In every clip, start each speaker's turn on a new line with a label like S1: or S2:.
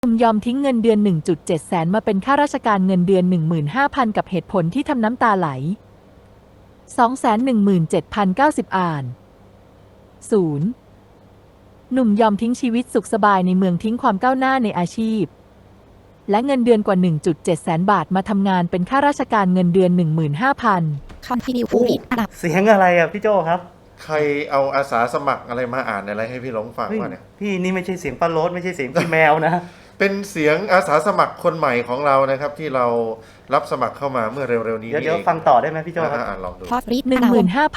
S1: หนุ่มยอมทิ้งเงินเดือน 1.7 แสนมาเป็นข้าราชการเงินเดือน 15,000 กับเหตุผลที่ทำน้ำตาไหล 217,090 อ่าน 0. หนุ่มยอมทิ้งชีวิตสุขสบายในเมืองทิ้งความก้าวหน้าในอาชีพและเงินเดือนกว่า 1.7 แสนบาทมาทำงานเป็นข้าราชการเงินเดือน 15,000
S2: Continue to read อันดับ
S3: เสียงอะไรอ่ะพี่โจครับ
S4: ใครเอาอาสาสมัครอะไรมาอ่านอะไรให้พี่หลงฟัง
S3: เฮ้ยว
S4: ะเนี่ย
S3: พี่นี่ไม่ใช่เสียงป้าโรสไม่ใช่เสียงพี่แมวนะ
S4: เป็นเสียงอาสาสมัครคนใหม่ของเรานะครับ ที่เรารับสมัครเข้ามาเมื่อเร็วๆนี้
S3: เดี๋ยว
S4: เอง
S3: ฟังต่อได้ไหมพี่โจครับ
S4: ลองดู
S2: Pause read อันดับ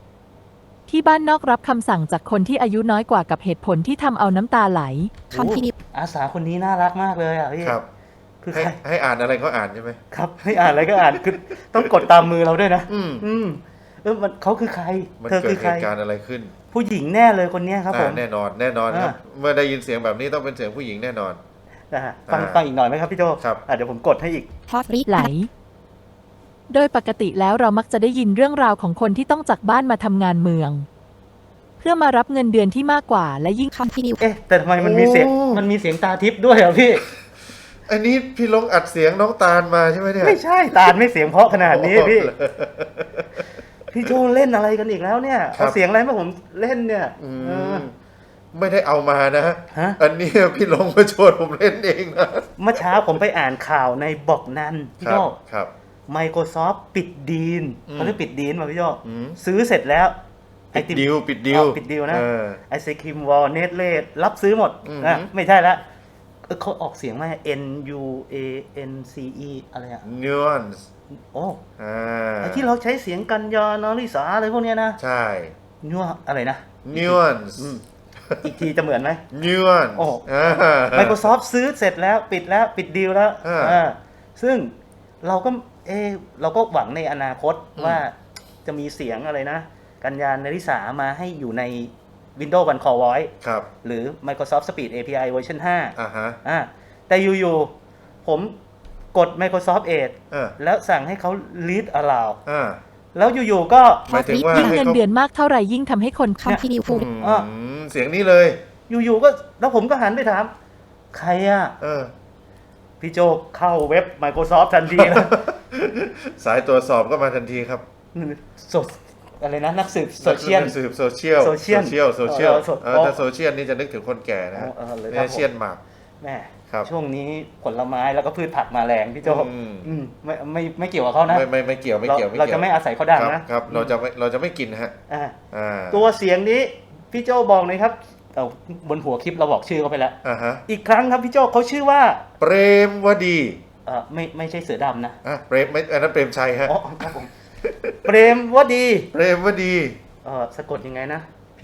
S1: 15,000 ที่บ้านนอกรับคำสั่งจากคนที่อายุน้อยกว่ากับเหตุผลที่ทำเอาน้ำตาไหล
S2: Continue
S3: อาสาคนนี้น่ารักมากเลยอ่ะพี่
S4: ครับ
S3: คือ
S4: ให้
S3: ใคร
S4: ให้อ่านอะไรก็อ่านใช่ไหม
S3: ครับให้อ่านอะไรก็อ่านคือต้องกดตามมือเราด้วยนะ
S4: อืม
S3: อืมมันเขาคือใคร
S4: มัน
S3: เธอ
S4: เกิ
S3: คื
S4: ด
S3: อ
S4: เห
S3: ใคร
S4: ตุการณ์อะไรขึ้น
S3: ผู้หญิงแน่เลยคนเนี้ยครับผม
S4: แน่นอนครับ
S3: อ่า
S4: เมื่อได้ยินเสียงแบบนี้ต้องเป็นเสียงผู้หญิงแน่นอน
S3: นะฮะฟัง
S4: อ่า
S3: ฟังอีกหน่อยไหมครับพี่โจ
S4: ครับ
S3: เดี๋ยวผมกดให้อีก
S2: Pause read
S1: ไหล โดยปกติแล้วเรามักจะได้ยินเรื่องราวของคนที่ต้องจากบ้านมาทำงานเมือง เพื่อมารับเงินเดือนที่มากกว่าและยิ่ง
S2: Continue
S3: เอ๊ะแต่ทำไมมันมีเสียงมันมีเสียงตาทิพย์ด้วยอ่ะพี่
S4: อันนี้พี่หลงอัดเสียงน้องตาลมาใช่ไหมเนี่ย
S3: ไม่ใช่ตาลไม่เสียงเพราะขนาดนี้พี่
S4: โอ้โห
S3: พี่โจเล่นอะไรกันอีกแล้วเนี่ย
S4: ครับ
S3: เอาเสียงอะไรมาผมเล่นเนี่ย
S4: อืม
S3: เออ
S4: ไม่ได้เอามานะ
S3: ฮะ
S4: อันนี้พี่หลงมาชวนผมเล่นเองนะ
S3: เมื่อเช้าผมไปอ่านข่าวในบอกนันพี่
S4: ครั
S3: โจ
S4: ครับ
S3: Microsoft ปิดดีล
S4: อืม
S3: เขาเรียกปิดดีลมาพี่โจ
S4: อืม
S3: ซื้อเสร็จแล้ว
S4: ปิดดิว
S3: ปิดดีลนะ
S4: เออ
S3: ไอศครีมวอลเนสเล่รับซื้อหมด
S4: อืม
S3: นะไม่ใช่ละเขาออกเสียงว่า N U A N C E อะไรอะ
S4: nuance
S3: โอ้
S4: อ่า
S3: ไอที่เราใช้เสียงกันยานอริสาอะไรพวกเนี้ยนะ
S4: ใช่
S3: นัวอะไรนะ
S4: nuance
S3: อืมอีกทีจะเหมือนไหม
S4: nuance
S3: โอ้
S4: อ่า
S3: Microsoft ซื้อเสร็จแล้วปิดแล้วปิดดีลแล้ว
S4: อ่า
S3: ซึ่งเราก็เราก็หวังในอนาคต
S4: อืม
S3: ว่าจะมีเสียงอะไรนะ กัญญาณริษามาให้อยู่ใน Windows One Core Voice
S4: ครับ
S3: หรือ Microsoft Speech API เวอร์ชัน5
S4: อ่าฮะ
S3: แต่อยู่ๆผมกด Microsoft Edge
S4: อ่า
S3: แล้วสั่งให้เขา read aloud
S4: อ่า
S3: แล้วอยู่ๆก็
S4: หมายถึงว่า
S1: ยิ่ง
S4: ให้
S1: เงิน
S4: เขา
S1: เดือนมากเท่าไหร่ยิ่งทำให้คน
S2: Continue to
S4: อืมเสียงนี้เลย
S3: อยู่ๆก็แล้วผมก็หันไปถาม ใครอ่ะ
S4: เออ
S3: พี่โจเข้าเว็บ Microsoft ทันทีนะ
S4: สายตรวจสอบก็มาทันทีครับ
S3: สดอะไรนะนักสืบโซเชียล
S4: สืบโซเชียล
S3: โซเชียล
S4: โซเชียล
S3: เออ
S4: ถ้าโซเชียลนี่จะนึกถึงคนแก่นะฮะ
S3: เลยค
S4: เนี่
S3: รับ
S4: ยเชียนหมาก
S3: แม่
S4: ครับ
S3: ช่วงนี้ผลไม้แล้วก็พืชผักมาแรงพี่โจ
S4: อืม
S3: ไม่เกี่ยวกับเขานะ
S4: ไม่เกี่ยวไม่เกี่ยว
S3: เราจะไม่อาศัยเขาดัง
S4: ครับ
S3: นะครับ
S4: เราจะไม่กินฮะ
S3: อ่า
S4: อ่า
S3: ตัวเสียงนี้พี่โจบอกเลยครับเอาบนหัวคลิปเราบอกชื่อเขาไปแล้ว
S4: อ่าฮะ
S3: อีกครั้งครับพี่โจเขาชื่อว่า
S4: เปรมวดี
S3: ไม่ใช่เสือดำนะ
S4: เปรมไม่อันนั้นเปรมชัยฮะ
S3: อ๋อครับผมเปรมวดี
S4: เปรมวดี
S3: สะกดยังไงนะ
S4: P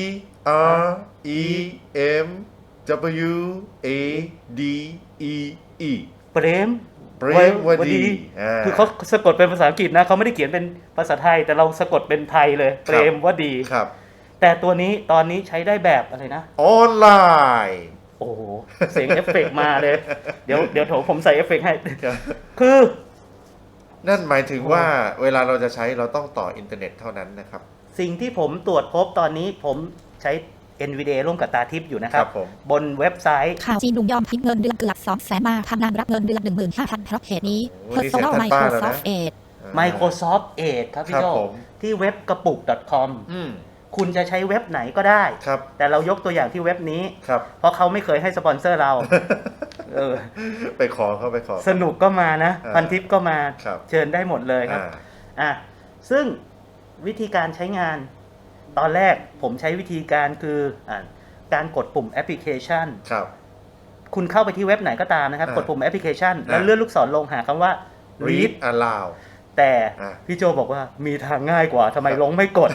S4: R E M W A D E E
S3: เปรม
S4: เปรมวดีอ่า
S3: คือเขาสะกดเป็นภาษาอังกฤษนะเขาไม่ได้เขียนเป็นภาษาไทย แต่เราสะกดเป็นไทยเลย เปรมวดี
S4: ครับ
S3: แต่ตัวนี้ตอนนี้ใช้ได้แบบอะไรนะ
S4: ออนไลน์
S3: โอ้โหเสียงเอฟเฟกต์มาเลย เดี๋ยวผมใส่เอฟเฟกต์ให้
S4: ครับ
S3: คือ
S4: นั่นหมายถึงว่าเวลาเราจะใช้เราต้องต่ออินเทอร์เน็ตเท่านั้นนะครับ
S3: สิ่งที่ผมตรวจพบตอนนี้ผมใช้ NVIDIA ร่วมกับตาทิพย์อยู่นะครั
S4: ครับ บผม
S3: บนเว็บไซต์
S2: ข่าวจีนหนุ่มยอมทิ้งเงินเดือนเกือบ200,000มาทำงานรับเงินเดือน 15,000 เพราะเหตุนี้
S4: โอ้โหนี่เสียง
S2: Personal
S4: ท่านป้าแล้วนะ
S2: Microsoft Edge
S3: Microsoft Edge ครับพี่
S4: ครับ
S3: โจ
S4: ผม
S3: ที่เว็บกระปุก .com
S4: อืม
S3: คุณจะใช้เว็บไหนก็ได้
S4: ครับ
S3: แต่เรายกตัวอย่างที่เว็บนี้
S4: ครับ
S3: เพราะเขาไม่เคยให้สปอนเซอร์เรา เออ
S4: ไปขอเขาไปขอ
S3: สนุกก็มานะ
S4: อ่า
S3: พันทิปก็มา
S4: ครับ
S3: เชิญได้หมดเลยครับ ซึ่งวิธีการใช้งาน ตอนแรกผมใช้วิธีการคือการกดปุ่มแอปพลิเคชัน
S4: ครับ
S3: คุณเข้าไปที่เว็บไหนก็ตามนะครับ
S4: อ่าก
S3: ดปุ่มแอปพลิเคชัน แล้ว
S4: อ่า
S3: เลื่อนลูกศรลงหาคำว่า
S4: read
S3: read
S4: aloud
S3: แต่
S4: อ่า
S3: พี่โจบอกว่ามีทางง่ายกว่าทำไมลงไม่กด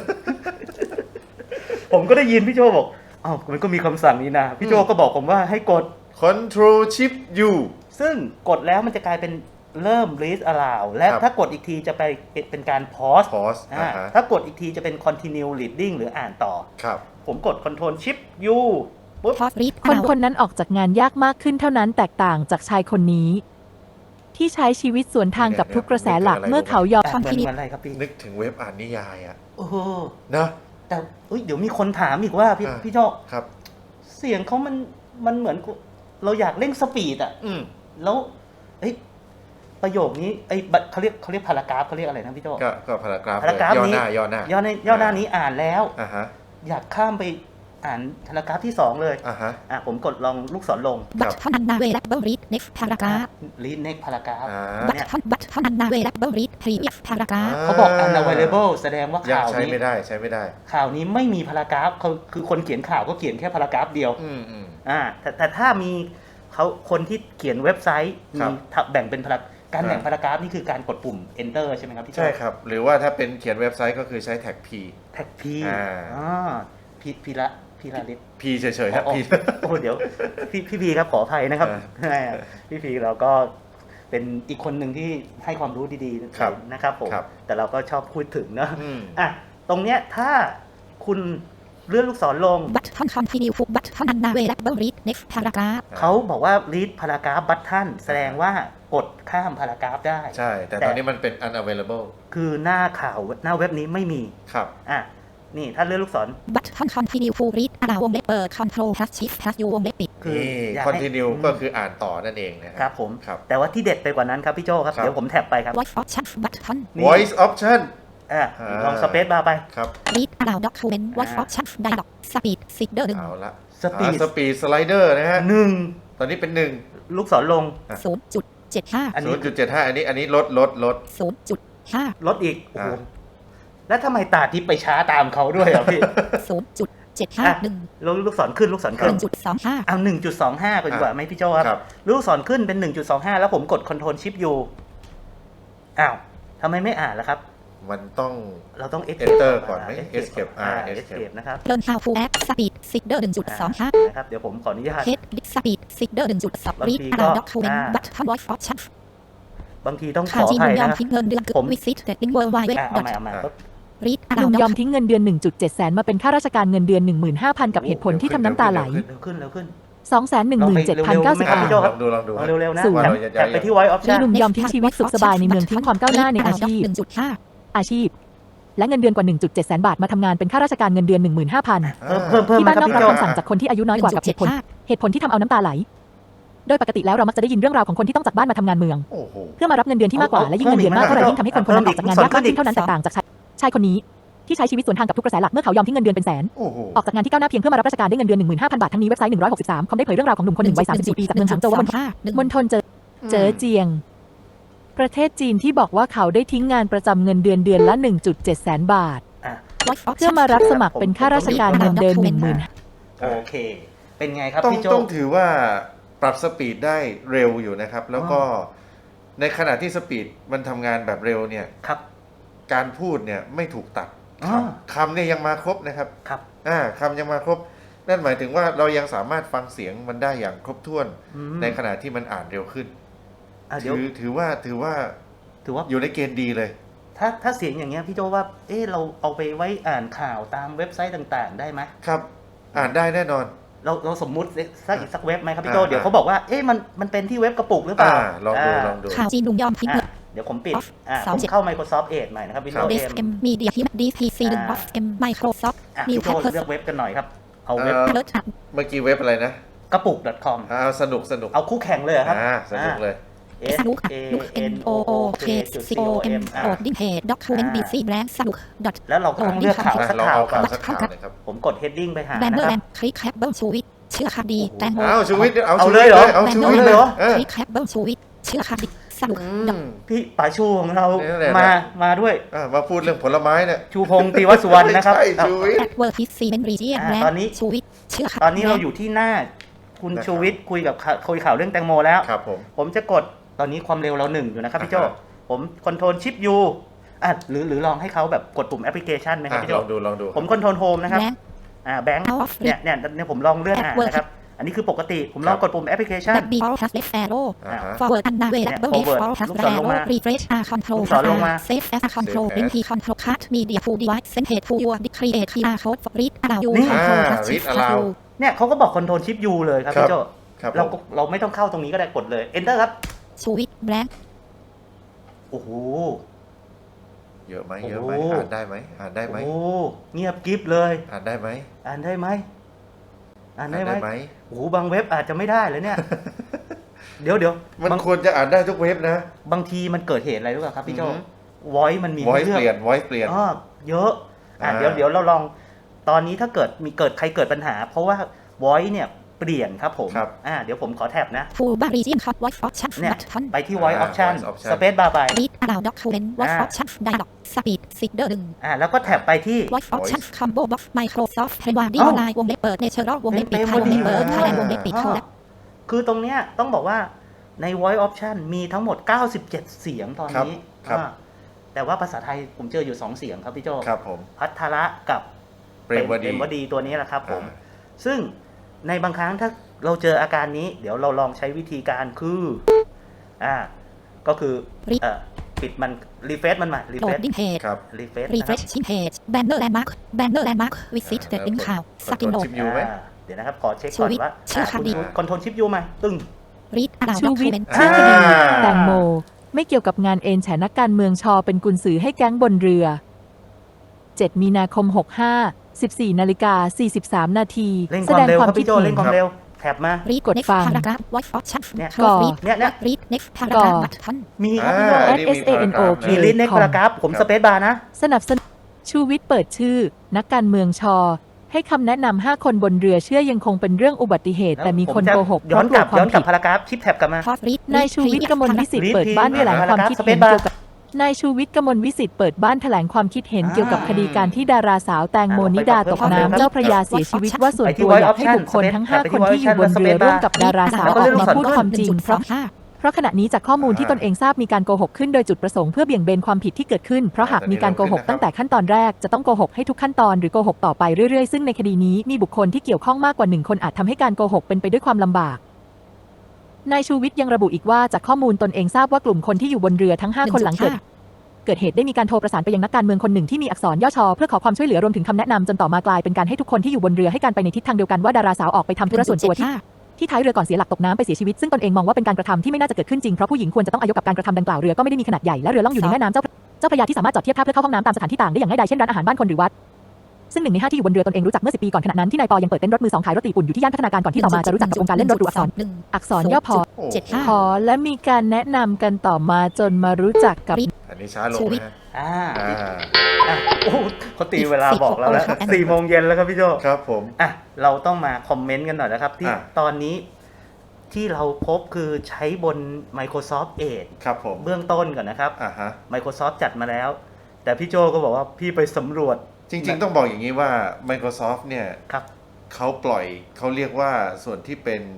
S3: ผมก็ได้ยินพี่โจบอกอ้าวมันก็มีคำสั่งนี้นะ พี่โจก็บอกผมว่าให้กด
S4: control shift U
S3: ซึ่งกดแล้วมันจะกลายเป็นเริ่ม read aloud และ
S4: ครับ
S3: ถ้ากดอีกทีจะไปเป็นการ pause
S4: pause
S3: อ่า
S4: ฮะ
S3: ถ้ากดอีกทีจะเป็น continue reading หรืออ่านต่อ
S4: ครับ
S3: ผมกด control shift U ปุ๊บ
S2: Pause read
S1: คนคนนั้นออกจากงานยากมากขึ้นเท่านั้นแตกต่างจากชายคนนี้ ที่ใช้ชีวิตสวนทางกับทุกกระแสหลักเมื่อเขายอม
S3: เหมือนอะไรครับพี่
S4: นึกถึงเว็บอ่านนิยายอะ
S3: โอ้โห
S4: นะ
S3: แต่เดี๋ยวมีคนถามอีกว่าพี่
S4: อ่า
S3: พี่โจ
S4: ครับ
S3: เสียงเขามันเหมือนเราอยากเร่งสปีดอ่ะ แล้วเอ้ยประโยคนี้ไอ้เขาเรียกพารากราฟเขาเรียกอะไรนะพี่โจ
S4: ก็พารากราฟ
S3: พารากราฟ
S4: ย่อ
S3: นี้
S4: หน้าย่อหน้า
S3: ย่อหน้านี้อ่านแล้ว
S4: ฮะ
S3: อยากข้ามไปอ่านพารากราฟที่ 2 เลย
S4: ฮะ
S3: ผมกดลองลูกศรลง
S2: บัตเท่านั้นนาเวลับเบิลรีด next paragraph
S3: รีดเน็กพารากราฟ
S2: บัตเท่านั้นนาเวลับเบิลรีด previous paragraph
S3: เขาบอก unavailable แสดงว่า
S4: ยัง
S3: ข่าว
S4: ใช้
S3: นี้
S4: ไม่ได้ใช้ไม่ได้
S3: ข่าวนี้ไม่มีพารากราฟเขาคือคนเขียนข่าวก็เขียนแค่พารากราฟเดียว แต่ถ้ามีเขาคนที่เขียนเว็บไซต์
S4: ครั
S3: มี
S4: บ
S3: แบ่งเป็นการแบ่งพารากราฟนี่คือการกดปุ่ม enter ใช่ไหมครับพี่โจ
S4: ใช่ครับ หรือว่าถ้าเป็นเขียนเว็บไซต์ก็คือใช้แท็ก P
S3: แท็กพี พีละลิศ
S4: P เฉยๆครับ P
S3: โอ้เดี๋ยวพี่พีครับขออภัยนะครับ พี่พีเราก็เป็นอีกคนหนึ่งที่ให้ความรู้ดีๆ
S4: ครับ
S3: นะครับผม
S4: ครับ
S3: แต่เราก็ชอบพูดถึงเนอะ
S4: อืม
S3: ตรงเนี้ยถ้าคุณเลื่อนลูกศรลง
S2: บัตเท่า continue บัตเท่านั้นนาเวลับเบิลรีด next paragraph
S3: เขาบอกว่า read paragraph button แสดงว่ากดข้ามพารากราฟได้
S4: ใช่ แต่ตอนนี้มันเป็น unavailable
S3: คือหน้าข่าวหน้าเว็บนี้ไม่มี
S4: ครับ
S3: นี่ถ้าเลื่อนลูกศร
S2: บัตเท่า continue to read allow วงเล็บเปิด control plus shift plus u วงเล็บปิด
S3: คือ
S4: นี่
S3: อยากให้
S4: continue ก็คืออ่านต่อนั่นเองนะ
S3: ครับผม
S4: ครับ
S3: แต่ว่าที่เด็ดไปกว่านั้นครับพี่โจครับ
S4: ครับ
S3: เดี๋ยวผมแท็บไปครับ
S2: voice option button
S3: นี่
S4: voice option
S3: ลองสเปซบาร์ไป
S4: ครับ
S2: read allow document voice option dialog speed seeker
S4: เอาละ
S3: Speed
S4: สปีดสไลเดอร์นะฮะ
S3: หนึ่ง
S4: ตอนนี้เป็น
S3: ลูกศรลง
S2: 0.75
S3: อันนี้
S4: 0.75 อันนี้ลด
S2: 0.5
S3: ลดอีก โอ้โห แล้วทำไมตาทิพย์ไปช้าตามเขาด้วยอ่ะพี่
S2: 0.751
S3: ลูกศรขึ้นลูกศรขึ้น
S2: 1.25
S3: เอา 1.25ก่อนดีกว่าไหมพี่โจค
S4: ครั
S3: รับ ลูกศรขึ้นเป็น 1.25 แล้วผมกด Ctrl Shift U อ้าวทำไมไม่อ่านล่ะครับ
S4: มันต้อง
S3: เราต้อง
S4: Enter ก่อนไหม? Escape
S3: Escape นะครับ
S2: learn how to add speed seeker 1.25
S3: นะครับ เดี๋ยวผมขออนุญาต
S2: head speed seeker 1.2 read allow document button voice option
S3: บางทีต้องข
S2: ข่าว
S3: อ
S2: จี
S3: อน ภัย
S2: ยอ
S3: นะ
S2: ม
S3: ครับ
S2: ทิ้งเงินเดือนเกือบ
S3: ผม
S2: visit the link world wide web
S3: เอาใหม่
S2: read
S1: หนุ่
S2: allow
S1: มยอม
S2: document
S1: ทิ้งเงินเดือน 1.7 แสนมาเป็นข้าราชการเงินเดือน 15,000 กับเหตุผลที่ทำน้ำตาไหล
S3: เร็วขึ้น
S1: 217,090
S4: ลองดู
S3: เอาเร็วๆนะ
S1: ศูนย์
S4: ว่าเราจะ
S3: แท็บไปที่ Voice
S1: มี
S3: Option
S1: หนุ่มยอมทิ้งชีวิตสุขสบายในเมืองทิ้งความก้าวหน้าในอาชีพ
S2: 1.5
S1: อาชีพ และเงินเดือนกว่า 1.7 แสนบาทมาทำงานเป็นข้าราชการเงินเดือน 15,000
S3: เพิ่ม
S1: ที่
S3: มา
S1: บ้าน
S3: ครับ
S1: นอก
S3: พี่ โจ
S1: รับคำสั่งจากคนที่อายุน้อยกว่ากับเหตุผลที่ทำเอาน้ำตาไหล โดยปกติแล้วเรามักจะได้ยินเรื่องราวของคนที่ต้องจากบ้านมาทำงานเมือง
S4: โอ้โห
S1: เพื่อมารับเงินเดือนที่มากกว่าและยิ่งเงินเดือนมากเท่าไหร่ยิ่งทำให้คนคนนั้นออกจากงานยากมากขึ้นเท่านั้นแตกต่างจากชายคนนี้ที่ใช้ชีวิตสวนทางกับทุกกระแสหลักเมื่อเขายอมทิ้งเงินเดือนเป็นแสน
S4: โอ้โห
S1: ออกจากงานที่ก้าวหน้าเพียงเพื่อมารับราชการได้เงินเดือน 15,000 บาททั้งนี้เว็บไซต์163คอมได้เผยเรื่องราวของหนุ่มคนหนึ่งวัย34ปีจากเมืองหางโจวมณฑลเจ๋อเจียง ประเทศจีนที่บอกว่าเขาได้ทิ้งงานประจำเงินเดือนละ 1.7 แสนบาท เพื่อมารับสมัครเป็นข้าราชการเงินเดือน 10,000
S3: โอเค เป็นไงครับ
S4: ต้อง
S3: พี่โจ
S4: ต้องถือว่าปรับสปีดได้เร็วอยู่นะครับ แล้วก็ในขณะที่สปีดมันทำงานแบบเร็วเนี่ย
S3: ครับ
S4: การพูดเนี่ยไม่ถูกตัด
S3: อ๋อ
S4: คำเนี่ยยังมาครบนะครับ
S3: ครับ
S4: คำยังมาครบ นั่นหมายถึงว่าเรายังสามารถฟังเสียงมันได้อย่างครบถ้วน
S3: อืม
S4: ในขณะที่มันอ่านเร็วขึ้น
S3: เดี๋ยว
S4: ถือว่า
S3: ถือว่า
S4: อยู่ในเกณฑ์ดีเลย
S3: ถ้าเสียงอย่างเงี้ยพี่โจว่า เราเอาไปไว้อ่านข่าวตามเว็บไซต์ต่างๆ ได้ไหม
S4: ครับ อ่านได้แน่นอน
S3: เราสมมุติสักเว็บไหมครับพี่โจ
S4: อ่า
S3: เดี๋ยวเขาบอกว่ามันเป็นที่เว็บกระปุกหรือเปล่า
S4: ลองดู
S2: ข่าวจีนหนุ่มยอมทิ้งเงิน
S3: เดี๋ยวผมปิด
S2: สอง
S3: ผม
S2: เจ็ด
S3: เข้า Microsoft Edge ใหม่นะครับ Windows M
S2: DSM Media Human DPC 1 of M Microsoft
S3: พี่
S2: New
S3: โจ
S2: Paper
S3: เลือกเว็บกันหน่อยครับ เอาเว็บ
S2: Alert
S4: เมื่อกี้เว็บอะไรนะ
S3: กระปุก .com
S4: สนุก
S3: เอาคู่แข่งเลยเหรอครับ
S4: สนุกเลย
S3: S
S2: สนุก
S3: A
S2: N
S3: N
S2: O
S3: O
S2: O
S3: K
S2: K C O M Holding Page Document BC Brand สนุก
S3: แล้วเราก็ต้องเลือกข่าวสัก
S4: เรา
S3: ข่าว
S4: เอา
S3: ก่อ
S4: ข่าวน สักข่าวหนะครับ
S3: ผมกด heading ไปหา
S2: แบน
S3: นะ
S2: เนอ
S3: ค
S2: ร์
S3: รั
S2: แล
S3: บ
S2: นด์คลิกแคปเบิลชูวิทเชื่อคดีแตงโม
S4: เอาชีวิต
S3: เอา
S4: ชี
S3: เล
S4: วิ
S3: ย
S4: ต
S3: เหรอ
S4: เอา
S2: แบน
S4: ชี
S2: เนอ
S4: วิต
S2: ร์
S4: เล
S2: แล
S4: ย
S2: นด์คลิกแคปเบิลชูวิทเชื่อคดีสนุก
S3: พี่ป๋าชูของเรา
S4: นี่แหละ
S3: มาด้วย
S4: มาพูดเรื่องผลไม้เนี่ย
S3: ชูพงศ์ตีวสุวรรณนะครับ
S4: ใช่ชูวิทย์
S2: แอดเวอร์ทิสซีเมนต์รีเจียนแบรน
S3: ตอนนี้
S2: ด์ชูวิทเชื่อคดี
S3: ตอนนี้เราอยู่ที่หน้าคุณ
S4: นะครับ
S3: ชูวิทย์คุยข่าวเรื่องแตงโมแล้ว
S4: ครับผม
S3: ผมจะกดตอนนี้ความเร็วเรา1อยู่นะครับพี่โจ ผมคอนโทรลชิปยูหรือลองให้เขาแบบกดปุ่มแอปพลิเคชันไหมครับพี่โจ
S4: ลองดู
S3: ผมคอนโทรลโฮมนะครับ
S2: แบงค์
S3: แบงค์
S2: Out of
S3: เนี่ยผมลองเลื่อนอ่านนะครับ อันนี้คือปกติผมลองกดปุ่มแอปพลิเคชัน
S2: แบ็คบีออลพลัสเลฟแอโร่
S3: อ่า
S2: forward อันนาเวลับเบิล
S3: Forward
S2: ฟอลพลัส
S3: ลูก
S2: แอ
S3: ศรลง
S2: โร่
S3: มา
S2: refresh r control
S3: ลูกศรลงมา
S2: save as control link key control card media to device send page to your create QR code for read allow you
S3: นี่
S2: control plus
S4: read
S2: shift plus
S4: allow
S2: u
S3: เนี่ยเขาก็บอกคอนโทรลชิปยูเลยครับ
S4: ครับ
S3: พี่โจ
S4: ครับ
S3: เราไม่ต้องเข้าตรงนี้ก็ได้กดเลย enter ครับ
S2: ชูวิทแบงค์
S3: โอ้โห
S4: เยอะไหม
S3: โอ้โห
S4: อ่านได้ไหม
S3: โอ้เงียบกริบเลย
S4: อ่านได้ไหม
S3: อ่านได้ไหมอ่าน
S4: อ่านได้
S3: ได้
S4: ไห
S3: ไห
S4: ม
S3: มโอ้โหบางเว็บอาจจะไม่ได้เลยเนี่ย เดี๋ยว
S4: มัน
S3: บาง
S4: ควรจะอ่านได้ทุกเว็บนะ
S3: บางทีมันเกิดเหตุอะไรรู้ป่ะครับพี่โจ
S4: อือฮึ
S3: voice มันมีให้
S4: voice
S3: เลือก
S4: เปลี่ยน voice เปลี่ยน
S3: เยอะเดี๋ยวเราลองตอนนี้ถ้าเกิดใครเกิดปัญหา เพราะว่า voice เนี่ยเปลี่ยนครับผม
S4: ครับ
S3: เดี๋ยวผมขอแท็บนะ
S2: Full bar region hot voice option
S3: เนี่ย
S2: button
S3: ไปที่ voice option
S4: voice option
S3: space bar ไป
S2: read aloud document voice
S3: อ่า
S2: option dialog speed seeder
S3: แล้วก็แท็บไปที่
S2: voice option combo box Microsoft p r e w a r d
S3: เอ้า
S2: online วงเล็บเปิด natural วงเล็บปิดไทยวงเล็บเปิด Thailand วงเล็บปิด collab
S3: คือตรงเนี้ยต้องบอกว่าใน voice option มีทั้งหมด 97 เสียงตอนนี้
S4: ครับ
S3: แต่ว่าภาษาไทยผมเจออยู่ 2 เสียงครับพี่โจ
S4: ครับผม
S3: พัทระกับ
S4: เปรมวดี
S3: วดีตัวนี้แหละครับผม
S4: อ่า
S3: ซึ่งในบางครั้งถ้าเราเจออาการนี้ เดี๋ยวเราลองใช้วิธีการคือก็คือปิดมันรีเฟรชมันใหม่รีเฟรช
S2: loading page
S4: ครับ
S3: รีเฟรช
S2: refreshing page banner landmark visit เด็ดลิงข่าว skin note
S4: ชิปยูไหม
S3: เดี๋ยวนะครับขอเช็คก่อนว่า
S2: ชื่อคำดี
S3: คอนโทรลชิปยูไหมตึ้ง
S2: read aloud
S1: ชูวิทย์
S2: document
S1: ชื่อคดี
S4: อ่า
S1: แตงโม ไม่เกี่ยวกับงานเอ็นแฉนักการเมืองชอเป็นกุญสือให้แก๊งบนเรือ 7 มีนาคม 65 14 นาฬิกา 43 นาที
S3: เร่งค
S1: แส
S3: วาม
S1: ดง
S3: เร็ว
S1: ความ
S3: ครับ
S1: คิด
S3: พี่โจ
S1: เห็
S3: เร่
S1: น
S3: งความเร็วแท็บมา
S2: read
S1: กด
S2: next
S1: ฟัง
S2: paragraph voice option
S3: เนี่ย
S2: close read
S3: เนี่ย
S2: read next paragraph button
S3: มีครับพี่โจ
S4: อันนี้มี
S1: SANOK
S3: มีลิสต์ในพารากราฟผม
S4: ครับ
S3: สเปซบาร์นะ
S1: สนับสนุนชูวิทย์เปิดชื่อ นักการเมืองชอ ให้คำแนะนำ 5 คนบนเรือเชื่อยังคงเป็นเรื่องอุบัติเหตุ แต่มีคนโกหกเพ
S3: ย้อ
S1: ราะ
S3: น
S1: ก
S3: ก
S1: ลั
S3: ลั
S1: ว
S3: บ
S1: ความผิด
S3: พารากราฟชิปแท็บกลับมา
S2: pause read
S1: นายชูวิทย์กมลวิสิทธิ์
S3: read
S1: เปิดบ้านแถลงความคิดเห็น
S3: Space bar
S1: เกี่ยวกับนายชูวิทย์กมลวิสิทธิ์เปิดบ้านแถลงความคิดเห็นเกี่ยวกับคดีการที่ดาราสาวแตงโมนิดาตกน้ำเจ้าพระยาเสียชีวิตว่าส่วนตัวอยากให้บุคคลทั้ง 5 คนที่อยู่บนเรือร่วมกับดาราสาวออกมาพูดความจริงเพราะขณะนี้จากข้อมูลที่ตนเองทราบมีการโกหกขึ้นโดยจุดประสงค์เพื่อเบี่ยงเบนความผิดที่เกิดขึ้นเพราะหากมีการโกหกตั้งแต่ขั้นตอนแรกจะต้องโกหกให้ทุกขั้นตอนหรือโกหกต่อไปเรื่อยๆซึ่งในคดีนี้มีบุคคลที่เกี่ยวข้องมากกว่า1 คนอาจทำให้การโกหกเป็นไปด้วยความลำบากนายชูวิทย์ยังระบุอีกว่าจากข้อมูลตนเองทราบว่ากลุ่มคนที่อยู่บนเรือทั้ง 5 คนหลังเกิดเหตุได้มีการโทรประสานไปยังนักการเมืองคนหนึ่งที่มีอักษรย่อชอเพื่อขอความช่วยเหลือรวมถึงคำแนะนำจนต่อมากลายเป็นการให้ทุกคนที่อยู่บนเรือให้การไปในทิศทางเดียวกันว่าดาราสาวออกไปทำธุระส่วนตัวที่ท้ายเรือก่อนเสียหลักตกน้ำไปเสียชีวิตซึ่งตนเองมองว่าเป็นการกระทำที่ไม่น่าจะเกิดขึ้นจริงเพราะผู้หญิงควรจะต้องอายุกับการกระทำดังกล่าวเรือก็ไม่ได้มีขนาดใหญ่และเรือล่องอยู่ในแม่น้ำเจ้าพระยาที่สามารถจอดเทียบท่าเพื่อเข้าห้องน้ำตามสถานที่ต่างได้อย่างง่ายดายเช่นร้านอาหารบ้านคนหรือวัดซึ่ง1 ใน 5ที่อยู่บนเรือตนเองรู้จักเมื่อ10 ปีก่อนขณะนั้นที่นายปอยังเปิดเต้นรถมือ 2ขายรถตีปุ่นอยู่ที่ย่านพัฒนาการก่อนที่ต่อมาจะรู้จักกับวงการเล่นรถหรูอักษรย่อพอ
S4: โอ้
S1: พอและมีการแนะนำกันต่อมาจนมารู้จักกับ
S4: อันนี้ช้าลงนะฮะ
S3: อ่า
S4: อ่า
S3: โอ้โหเขาตีเวลาบอกเราแล้ว 4 โมงเย็นแล้วครับพี่โจ
S4: ครับผม
S3: เราต้องมาคอมเมนต์กันหน่อยนะครับที่
S4: อ่ะ
S3: ตอนนี้ที่เราพบคือใช้บน Microsoft Edge
S4: ครับผม
S3: เบื้องต้นก่อนนะครับ
S4: ฮะ
S3: Microsoft จัดมาแล้ว แต่พี่โจก็บอกว่าพี่ไปสำรวจ
S4: จริงๆต้องบอกอย่างนี้ว่า Microsoft เนี่ย
S3: ครับ
S4: เขาปล่อยเขาเรียกว่าส่วนที่เป็น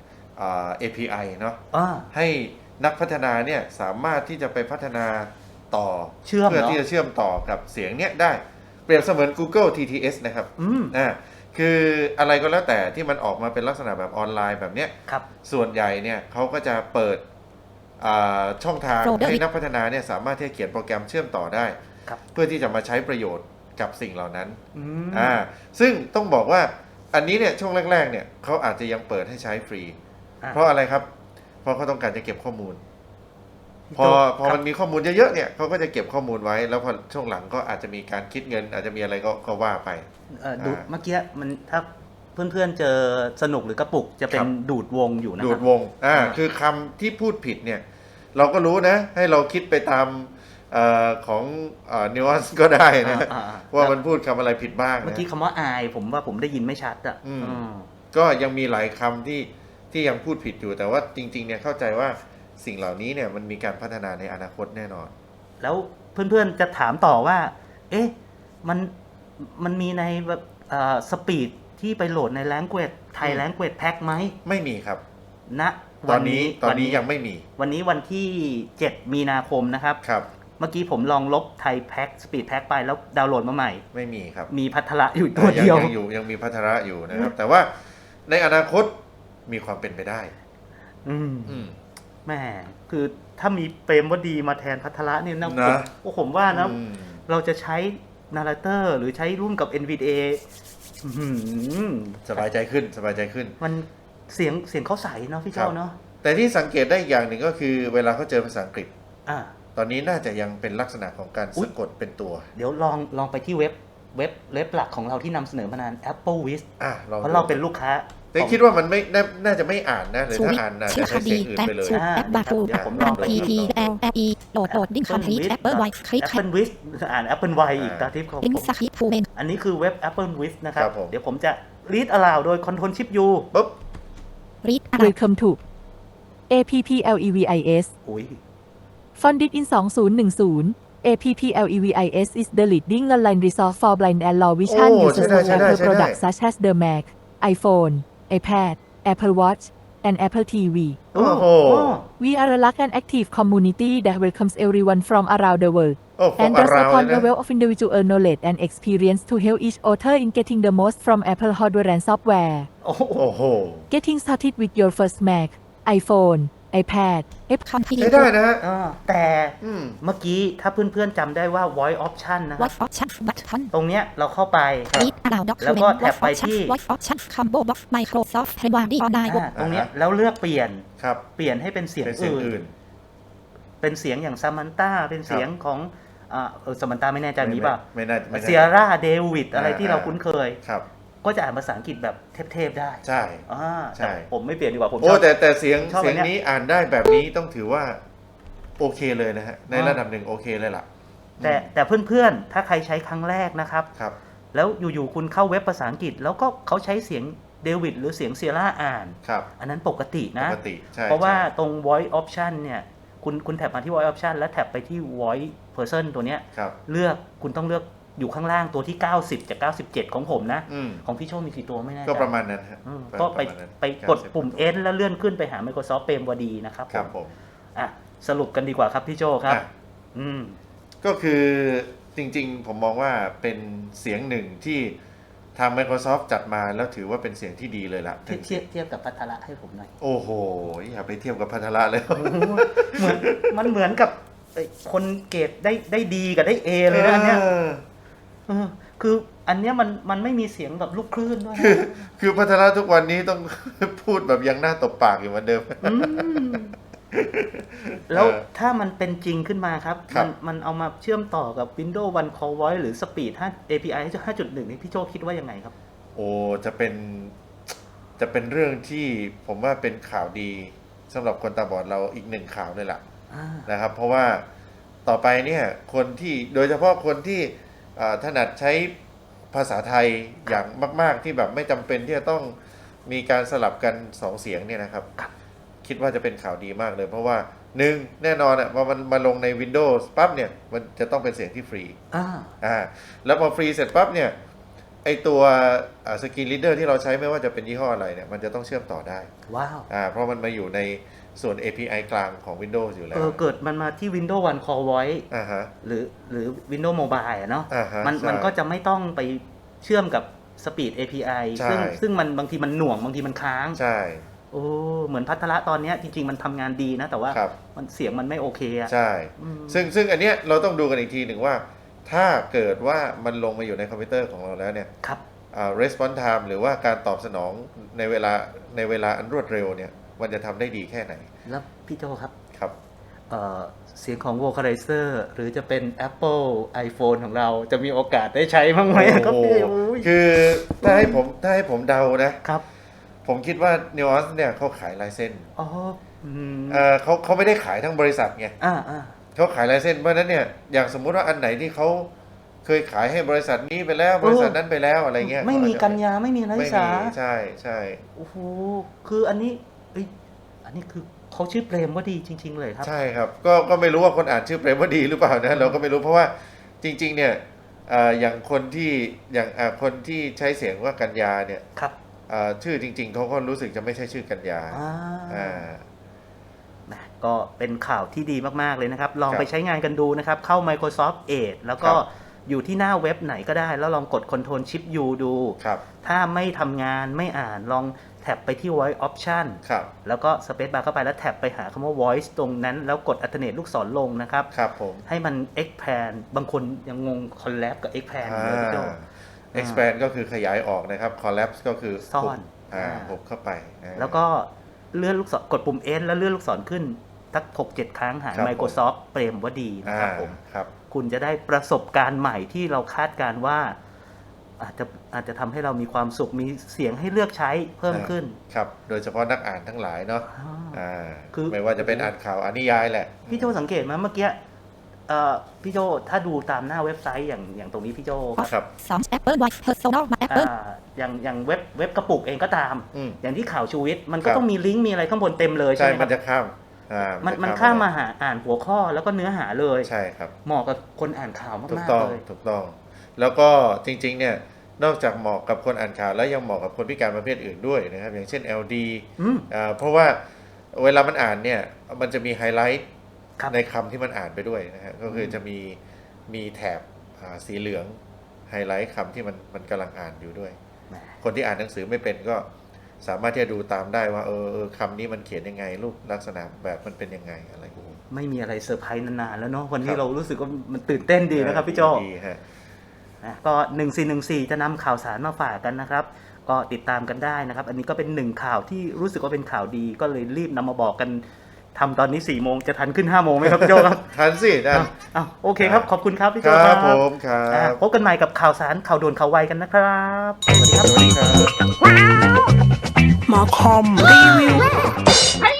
S4: API เนาะ
S3: อ่า
S4: ให้นักพัฒนาเนี่ยสามารถที่จะไปพัฒนาต่อ
S3: เชื่อม
S4: เพื่อ
S3: เหรอ
S4: ที่จะเชื่อมต่อกับเสียงเนี่ยได้ เปรียบเสมือน Google TTS นะครับ
S3: อืม
S4: คืออะไรก็แล้วแต่ที่มันออกมาเป็นลักษณะแบบออนไลน์แบบเนี้ย
S3: ครับ
S4: ส่วนใหญ่เนี่ยเขาก็จะเปิดช่องทาง
S2: Folder
S4: ให้นักพัฒนาเนี่ยสามารถที่จะเขียนโปรแกรมเชื่อมต่อได้
S3: ครับ
S4: เพื่อที่จะมาใช้ประโยชน์กับสิ่งเหล่านั้น
S3: อืม
S4: ซึ่งต้องบอกว่าอันนี้เนี่ยช่วงแรกๆเนี่ยเขาอาจจะยังเปิดให้ใช้ฟรี
S3: อ่ะ
S4: เพราะอะไรครับ เพราะเขาต้องการจะเก็บข้อมูล พอ
S3: ครับ
S4: มันมีข้อมูลเยอะๆเนี่ยเขาก็จะเก็บข้อมูลไว้ แล้วพอช่วงหลังก็อาจจะมีการคิดเงิน อาจจะมีอะไรก็ว่าไป
S3: ดูเมื่อกี้มันถ้าเพื่อนๆเจอสนุกหรือกระปุกจะเป็
S4: ครั
S3: น
S4: บ
S3: ดูดวงอยู่นะ
S4: ดู
S3: ครั
S4: ด
S3: บ
S4: วงคือคำที่พูดผิดเนี่ย เราก็รู้นะ ให้เราคิดไปตามของนิวอันส์ก็ได้นะ ว่ามันพูดคำอะไรผิดบ้าง
S3: เมื่อ
S4: นะ
S3: กี้คำว่าอายผมว่าผมได้ยินไม่ชัดอ่ะ
S4: อืม
S3: อืม
S4: ก็ยังมีหลายคำที่ยังพูดผิดอยู่ แต่ว่าจริงๆเนี่ยเข้าใจว่าสิ่งเหล่านี้เนี่ยมันมีการพัฒนาในอนาคตแน่นอน
S3: แล้วเพื่อนๆจะถามต่อว่า เอ๊ะ มันมีในแบบสปีดที่ไปโหลดใน Language ไทย Language Pack ไหม
S4: ไม่มีครับ
S3: ณ
S4: ตอนนี้ยังไม่มี
S3: วันนี้วันที่ 7 มีนาคมนะครับ
S4: ครับ
S3: เมื่อกี้ผมลองลบไทยแพ็กสปีดแพ็กไปแล้วดาวน์โหลดมาใหม่
S4: ไม่มีครับ
S3: มีพัทระอยู่ตัวเดียว
S4: ยังมีพัฒระอยู่นะครับ แต่ว่าในอนาคตมีความเป็นไปได้
S3: อืม
S4: อืม
S3: แหม่คือถ้ามีเปรมวดีมาแทนพัทระเนี่ยนะ
S4: นะ
S3: ผมว่านะ
S4: อืม
S3: เราจะใช้นาราเตอร์หรือใช้ร่วมกับ NVDA อื้อหือ
S4: สบายใจขึ้นสบายใจขึ้น
S3: มันเสียงเขาใสเนาะพี่
S4: ครั
S3: เจ้า
S4: บ
S3: เนาะ
S4: แต่ที่สังเกตได้อีกอย่างหนึ่งก็คือเวลาเขาเจอภาษาอังกฤษ
S3: อ่า
S4: ตอนนี้น่าจะยังเป็นลักษณะของการ
S3: อุ๊
S4: สะ
S3: ย
S4: กดเป็นตัว
S3: เดี๋ยวลองไปที่เว็บเว็บหลักของเราที่นำเสนอมานาน Apple Wiz
S4: ลอง
S3: เพราะเราเป็นลูกค้า
S4: แต่คิดว่ามันไม่น่าจะไม่อ่านนะหรือ
S2: ชู
S4: ถ้า
S2: วิท
S4: อ่านน่า
S2: ชื่
S4: จะ
S2: อ
S4: ใช้
S2: ค
S4: เสีย
S2: ดี
S4: งอื่น
S2: แอป
S4: ไปเลย
S2: ชูแอปบาทู
S3: ผมลองดู
S2: P P L L E โหลดดิ้งคอมพลีทแอปเปิลไวคลิก
S3: Apple Wiz อ่าน Apple Wiz อีกตาทิพย์ของ
S2: ลิง
S3: ผ
S2: ก์
S3: ม
S2: สคริปต์ทูเมน
S3: อันนี้คือเว็บ Apple Wiz นะครับ
S4: ครับผม
S3: เดี๋ยวผมจะ read aloud โดย Control Shift U
S4: ปุ๊บ
S2: รีด
S1: Welcome to APPLEVIS
S3: อุ้ย
S1: Funded in 2010 APPLEVIS is the leading online resource for blind and low vision
S4: โอ้
S1: users
S4: ใช่ได้
S1: of
S4: ใช่ได้
S1: Apple products such as the Mac, iPhone, iPad, Apple Watch, and Apple TV.
S4: โอ้โห
S1: We are a large and active community that welcomes everyone from around the world
S4: โอ้
S1: and
S4: อา
S1: draws
S4: ราว
S1: upon
S4: เลย
S1: a
S4: นะ
S1: wealth of individual knowledge and experience to help each author in getting the most from Apple hardware and software.
S3: โอ้โห
S4: โอ้โห
S1: Getting started with your first Mac, iPhone, iPad,
S2: คอมพลี
S4: ใช้
S2: ท
S4: ได้นะฮะ
S3: แต่
S4: อืม
S3: เมื่อกี้ถ้าเพื่อนๆจำได้ว่า voice option นะค
S2: ว
S3: รั
S2: อบ ทออปชั่นบัตทอน
S3: ตรงเนี้ยเราเข้าไป
S2: รีดอลาวด็อก
S3: แล้วก็แท็บไปที่
S2: วอทออปชั่นคอมโบบ็อกซ์ไมโครซอฟท์เฮวาร์ดี้ออนไลน์
S3: ตรงเนี้ยแล้วเลือกเปลี่ยน
S4: ครับ
S3: เปลี่ยนให้เป็นเสียง
S4: เป็นเสียง
S3: อื่น
S4: อื่น
S3: เป็นเสียงอย่างซามันต้าเป็นเสียงของซามันต้าไม่แน่ใจมีป่ะ
S4: ไม่น่าไม่น่า
S3: เซียร่าเดวิดอะไรที่เราคุ้นเคย
S4: ครับ
S3: ก็จะอ่านภาษาอังกฤษแบบเทพๆได้
S4: ใช่ ใช่
S3: แต่ผมไม่เปลี่ยนดีกว่าผมช
S4: โอ้
S3: อบ
S4: แต่เสียง
S3: ชอบอันเนี้ย
S4: นี้อ่านได้แบบนี้ต้องถือว่า โอเคเลยนะฮะ ในระดับหนึ่งโอเคเลยล่ะ
S3: แต่เพื่อนๆ ถ้าใครใช้ครั้งแรกนะครับ
S4: ครับ
S3: แล้วอยู่ๆคุณเข้าเว็บภาษาอังกฤษ แล้วก็เขาใช้เสียงเดวิดหรือเสียงเซียร่าอ่าน
S4: ครับ
S3: อันนั้นปกตินะ
S4: ปกติใช่
S3: เพราะว่า
S4: ใช่
S3: ตรง voice option เนี่ยคุณแท็บมาที่ voice option แล้วแท็บไปที่ voice person ตัวเนี้ย
S4: ครับ
S3: คุณต้องเลือกอยู่ข้างล่างตัวที่ 90 จาก 97 ของผมนะ
S4: อืม
S3: ของพี่โชคมีกี่ตัวไม่แน่ใจ
S4: ก็ประมาณนั้นฮะ
S3: ก็ไป
S4: ระมาณนั้น
S3: ไปกด
S4: 90
S3: ปุ่ม N แล้วเลื่อนขึ้นไปหา Microsoft เปรมวดีนะครับ
S4: ครับ
S3: ผ
S4: ผม ม
S3: อ่ะสรุปกันดีกว่าครับพี่โจครับ
S4: อ่ะ
S3: อืม
S4: ก็คือจริงๆ ผมมองว่าเป็นเสียงหนึ่งที่ทาง Microsoft จัดมาแล้วถือว่าเป็นเสียงที่ดีเลยล่ะ
S3: เทียบกับพัทระให้ผมหน่อย
S4: โอ้โห อย่าไปเทียบกับพัทละเลย
S3: มันเหมือนกับคนเกรดได้ดีกับได้เอเลยนะอันเนี้ยคืออันเนี้ยมันไม่มีเสียงแบบลูกคลื่นด้วยนะ
S4: คือพัทละทุกวันนี้ต้อง พูดแบบยังหน้าตบปากอยู่เหมือนเดิม
S3: แล้วถ้ามันเป็นจริงขึ้นมาครับ
S4: ครับ
S3: มันเอามาเชื่อมต่อกับ Windows One Call Voice หรือ Speed 5 API 5.1 นี่พี่โจคิดว่ายังไงครับ
S4: โอ้จะเป็นเรื่องที่ผมว่าเป็นข่าวดีสำหรับคนตาบอดเราอีกหนึ่งข่าวเลยล่ะนะครับ เพราะว่าต่อไปเนี่ยคนที่โดยเฉพาะคนที่ถนัดใช้ภาษาไทยอย่างมากๆที่แบบไม่จำเป็นที่จะต้องมีการสลับกันสองเสียงเนี่ยนะครับ คิดว่าจะเป็นข่าวดีมากเลย เพราะว่าหนึ่งแน่นอนว่ามันมาลงใน Windows ปั๊บเนี่ยมันจะต้องเป็นเสียงที่ฟรีแล้วพอฟรีเสร็จปั๊บเนี่ยไอตัวสกรีนรีดเดอร์ที่เราใช้ไม่ว่าจะเป็นยี่ห้ออะไรเนี่ยมันจะต้องเชื่อมต่อได้
S3: ว้าว
S4: เพราะมันมาอยู่ในส่วน API กลางของ Windows อยู่แล้ว
S3: เกิดมันมาที่ Windows One Call Voice
S4: ฮะ
S3: หรือ Windows Mobile อะเนาะ
S4: ฮะ
S3: มัน
S4: ใช่
S3: ก็จะไม่ต้องไปเชื่อมกับ Speed API
S4: ใช่
S3: ซึ่งมันบางทีมันหน่วงบางทีมันค้าง
S4: ใช่
S3: โอ้เหมือนพัทละตอนเนี้ยจริงๆมันทำงานดีนะ แต่ว่า
S4: ครับ
S3: มันเสียงมันไม่โอเคอะ
S4: ใช่ ซึ่งอันเนี้ยเราต้องดูกันอีกทีหนึ่งว่า ถ้าเกิดว่ามันลงมาอยู่ในคอมพิวเตอร์ของเราแล้วเนี่ย
S3: ครับ
S4: response time หรือว่าการตอบสนองในเวลาอันรวดเร็วเนี่ยมันจะทำได้ดีแค่ไหน
S3: แล้วพี่โจครับ
S4: ครับ
S3: เสียงของ Vocalizer หรือจะเป็น Apple iPhone ของเราจะมีโอกาสได้ใช้บ้างไหมครับพี่โอ้ย
S4: คือถ้าให้ผมเดานะครับ ผมคิดว่า Nuance เนี่ยเขาขายลายเส้น
S3: อ๋อ
S4: เขาไม่ได้ขายทั้งบริษัทไง
S3: อ่า
S4: เขาขายลายเส้นเพราะฉะนั้นเนี่ยอย่างสมมุติว่าอันไหนที่เขาเคยขายให้บริษัทนี้ไปแล้วบริษัทนั้นไปแล้วอะไรเงี้ย
S3: ไม่มีกัญญาไม่มีนักศึ
S4: ไม่
S3: กษา
S4: มีใช่
S3: โอ้โหคืออันนี้อันนี้คือเขาชื่อเปรมว่าดีจริง ๆ เลยครับ
S4: ใช่ครับก็ไม่รู้ว่าคนอ่านชื่อเปรมว่าดีหรือเปล่านะเราก็ไม่รู้เพราะว่าจริงๆเนี่ยอย่างคนที่ใช้เสียงว่ากัญญาเนี่ย
S3: ครับ
S4: ชื่อจริงๆเขาก็รู้สึกจะไม่ใช่ชื่อกัญญา
S3: ก็เป็นข่าวที่ดีมากๆเลยนะครับลอง
S4: ครับ
S3: ไปใช้งานกันดูนะครับเข้า Microsoft Edge แล้วก็
S4: ครับ
S3: อยู่ที่หน้าเว็บไหนก็ได้ แล้วลองกด Control Shift U ดู
S4: ครับ
S3: ถ้าไม่ทำงานไม่อ่านลองแท็บไปที่ Voice Option
S4: ครับ
S3: แล้วก็ Space Bar เข้าไปแล้วแท็บไปหาคำว่า Voice ตรงนั้น แล้วกด Alternate ลูกศรลงนะครับ
S4: ครับผม
S3: ให้มัน expand บางคนยังงง collab กับ expand อยู่เลยพี่โจ
S4: expand ก็คือขยายออกนะครับ collapse ก็คือ
S3: ซ่อน
S4: หุบเข้าไป
S3: แล้วก็เลื่อนลูกศรกดปุ่ม N แล้วเลื่อนลูกศรขึ้นสัก 6-7 ครั้งหา
S4: ครับ
S3: Microsoft เปรมว่าดีนะครับผม
S4: ครับ
S3: คุณจะได้ประสบการณ์ใหม่ที่เราคาดการณ์ว่าอาจจะทำให้เรามีความสุขมีเสียงให้เลือกใช้เพิ่มขึ้น
S4: ครับโดยเฉพาะนักอ่านทั้งหลายเนาะ
S3: คือ
S4: ไม่ว่าจะเป็นอ่านข่าวอ่านนิยายแหละ
S3: พี่โจสังเกตไหมเมื่อกี้พี่โจถ้าดูตามหน้าเว็บไซต์อย่างตรงนี้พี่โจ
S4: ครับ
S2: สอง Apple Watch Personal มา Apple
S3: อย่างเว็บกระปุกเองก็ตาม
S4: อืม
S3: อย่างที่ข่าวชูวิทย์มันก็
S4: ครับ
S3: ต้องมีลิงก์มีอะไรข้างบนเต็มเลย
S4: ใช่
S3: ใช่ไหมค
S4: มั
S3: รั
S4: น
S3: บ
S4: จะข้าม
S3: มันข้ามมาหาอ่านหัวข้อแล้วก็เนื้อหาเลย
S4: ใช่ครับ
S3: เหมาะกับคนอ่านข่าว
S4: ถูก
S3: มาก
S4: ต้อง
S3: ๆเลย
S4: ถูกต้อง แล้วก็จริงๆเนี่ยนอกจากเหมาะกับคนอ่านข่าวแล้วยังเหมาะกับคนพิการประเภทอื่นด้วยนะครับอย่างเช่น LD
S3: อืม
S4: เพราะว่าเวลามันอ่านเนี่ยมันจะมีไฮไลท์
S3: ครับ
S4: ในคำที่มันอ่านไปด้วยนะฮะก็คือจะมีแถบสีเหลืองไฮไลท์คำที่มันกำลังอ่านอยู่ด้วย
S3: แหม
S4: คนที่อ่านหนังสือไม่เป็นก็สามารถที่จะดูตามได้ว่าคำนี้มันเขียนยังไงรูปลักษณะแบบมันเป็นยังไงอะไรอย่างนี้
S3: ไม่มีอะไรเซอร์ไพรส์นานๆแล้วเนาะวัน
S4: ค
S3: นี้
S4: รับ
S3: เรารู้สึกว่ามันตื่นเต้นดีนะครับพี่โจ
S4: ดีฮะ
S3: นะก็1414จะนำข่าวสารมาฝากกันนะครับ ก็ติดตามกันได้นะครับ อันนี้ก็เป็นหนึ่งข่าวที่รู้สึกว่าเป็นข่าวดีก็เลยรีบนำมาบอกกันทำตอนนี้4 โมงจะทันขึ้น5 โมงไหมครับพี่โจครับ
S4: ทันสิทัน
S3: โอเคครับ ขอบคุณครับพี่
S4: ค
S3: โจ
S4: รั
S3: ครับ บ
S4: ผมครั
S3: อ่ะ
S4: บ
S3: พบกันใหม่กับข่าวสารข่าวด่วนข่าวไวกันนะครับสวัสดีครับ
S4: สวัสดีครับ
S5: มาคอมรีวิว